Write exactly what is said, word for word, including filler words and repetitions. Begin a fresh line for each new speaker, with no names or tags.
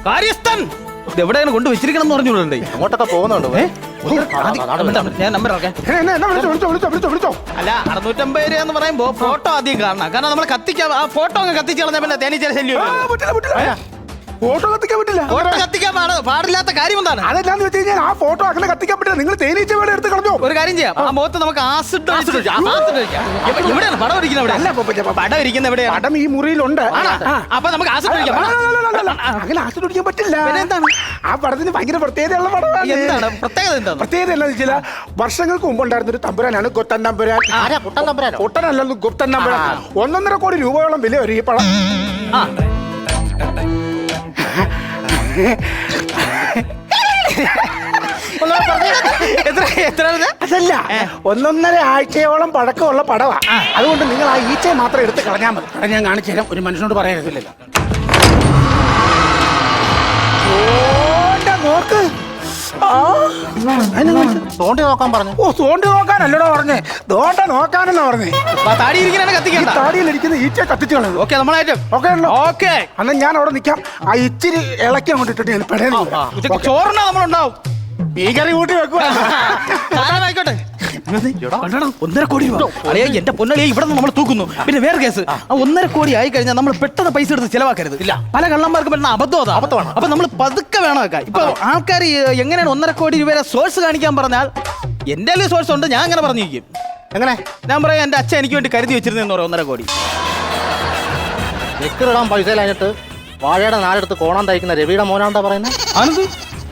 കാര്യസ്ഥൻ എവിടെയാണ് കൊണ്ട് വെച്ചിരിക്കണം എന്ന് പറഞ്ഞോളൂ.
അങ്ങോട്ടൊക്കെ പോകുന്നുണ്ട്.
ഞാൻ നമ്പർ ഇറക്കാം. അല്ല അറുന്നൂറ്റമ്പത് രൂപ എന്ന് പറയുമ്പോ ഫോട്ടോ ആദ്യം കാണണം. കാരണം നമ്മൾ കത്തിക്കാൻ ആ ഫോട്ടോ അങ്ങ് കത്തിച്ച് കളഞ്ഞാൽ പിന്നെ തേനീച്ച ശല്യം.
ഫോട്ടോ കത്തിക്കാൻ പറ്റില്ല.
ഫോട്ടോ കത്തിക്കാൻ പാടില്ലാത്ത കാര്യം എന്താണ്?
അതെന്താന്ന് വെച്ച് കഴിഞ്ഞാൽ ആ ഫോട്ടോ അങ്ങനെ കത്തിക്കാൻ പറ്റില്ല. നിങ്ങൾ തേനീച്ച വേടെ എടുത്ത് കളഞ്ഞോ.
ഒരു കാര്യം ചെയ്യാം, ആ മുഖത്ത് നമുക്ക് ആസിഡ് എവിടെയാണ് പടം ഇരിക്കുന്നത്? എവിടെ
അല്ല
പടം ഇരിക്കുന്നത് എവിടെയാണ്?
പടം ഈ മുറിയിലുണ്ട്.
അപ്പൊ നമുക്ക് ആസിഡ് ഒഴിക്കാം.
അങ്ങനെ ആസിഡ് ഒഴിക്കാൻ പറ്റില്ല.
എന്താണ്
ആ പടത്തിന് ഭയങ്കര പ്രത്യേകതയുള്ള പടമാണ്.
എന്താണ് പ്രത്യേകത? എന്താണ്
പ്രത്യേകത? എന്താണെന്ന് വെച്ചാൽ വർഷങ്ങൾക്ക് മുമ്പ് ഉണ്ടായിരുന്ന ഒരു തമ്പുരാനാണ് ഗൊത്തൻ തമ്പുരാൻ. ഒട്ടനല്ലെന്ന് ഗുപ്തൻ തമ്പുരാൻ. ഒന്നൊന്നര കോടി രൂപയോളം വില വരും ഈ പടം. അതല്ല, ഒന്നൊന്നര ആഴ്ചയോളം പഴക്കമുള്ള പടവാ. അതുകൊണ്ട് നിങ്ങൾ ആ ഈച്ചയെ മാത്രം എടുത്ത് കളഞ്ഞാൽ മതി. അത് ഞാൻ കാണിച്ചു തരാം. ഒരു മനുഷ്യനോട് പറയരുതില്ലല്ലോ. നോക്ക്,
തോണ്ടി നോക്കാൻ പറഞ്ഞു.
ഓ തോണ്ടി നോക്കാനല്ലടോ പറഞ്ഞേ, ദോണ്ട നോക്കാനെന്നാ പറഞ്ഞേ.
താടി ഇരിക്കാനാണ് കത്തിക്കണ്ട.
താടിയിലിരിക്കുന്ന ഈച്ച കത്തിച്ചു കളഞ്ഞു.
ഓക്കെ നമ്മളായിട്ട്
ഓക്കെ ഉണ്ടോ?
ഓക്കെ.
അന്ന് ഞാൻ അവിടെ നിൽക്കാം. ആ ഇച്ചിരി ഇളക്കി അങ്ങോട്ട് ഇട്ടിട്ട് ഞാൻ പെടേണ്ടി
ചോറിനാ നമ്മളുണ്ടാവും.
ഈ കറി കൂട്ടി വെക്കുക.
ആയിക്കോട്ടെ. ഒന്നര കോടി രൂപ അറിയാ എന്റെ പൊന്നളിയെ ഇവിടെ നിന്ന് നമ്മൾ തൂക്കുന്നു. പിന്നെ വേറെ കേസ്, ആ ഒന്നര കോടി ആയി കഴിഞ്ഞാൽ നമ്മൾ പെട്ടെന്ന് പൈസ എടുത്ത് ചിലവാക്കരുത്. ഇല്ല, പല കള്ളന്മാർക്ക് പറ്റുന്ന അബദ്ധം അതാ. അബദ്ധമാണ്. അപ്പൊ നമ്മൾ പതുക്കെ വേണം വെക്കാൻ. ഇപ്പൊ ആൾക്കാർ എങ്ങനെയാണ് ഒന്നര കോടി രൂപയുടെ സോഴ്സ് കാണിക്കാൻ പറഞ്ഞാൽ എന്റെ സോഴ്സ് ഉണ്ട്. ഞാൻ അങ്ങനെ പറഞ്ഞിരിക്കും.
എങ്ങനെ?
ഞാൻ പറയാം, എന്റെ അച്ഛൻ എനിക്ക് വേണ്ടി കരുതി വെച്ചിരുന്നെന്ന് പറയാം ഒന്നര കോടി.
ചെക്കിടാൻ പൈസ കഴിഞ്ഞിട്ട് വാഴയുടെ നാലെടുത്ത് കോണം തയ്ക്കുന്ന രവിയുടെ മോനാണ്ടാ പറയുന്നത്.
ആനന്ദ്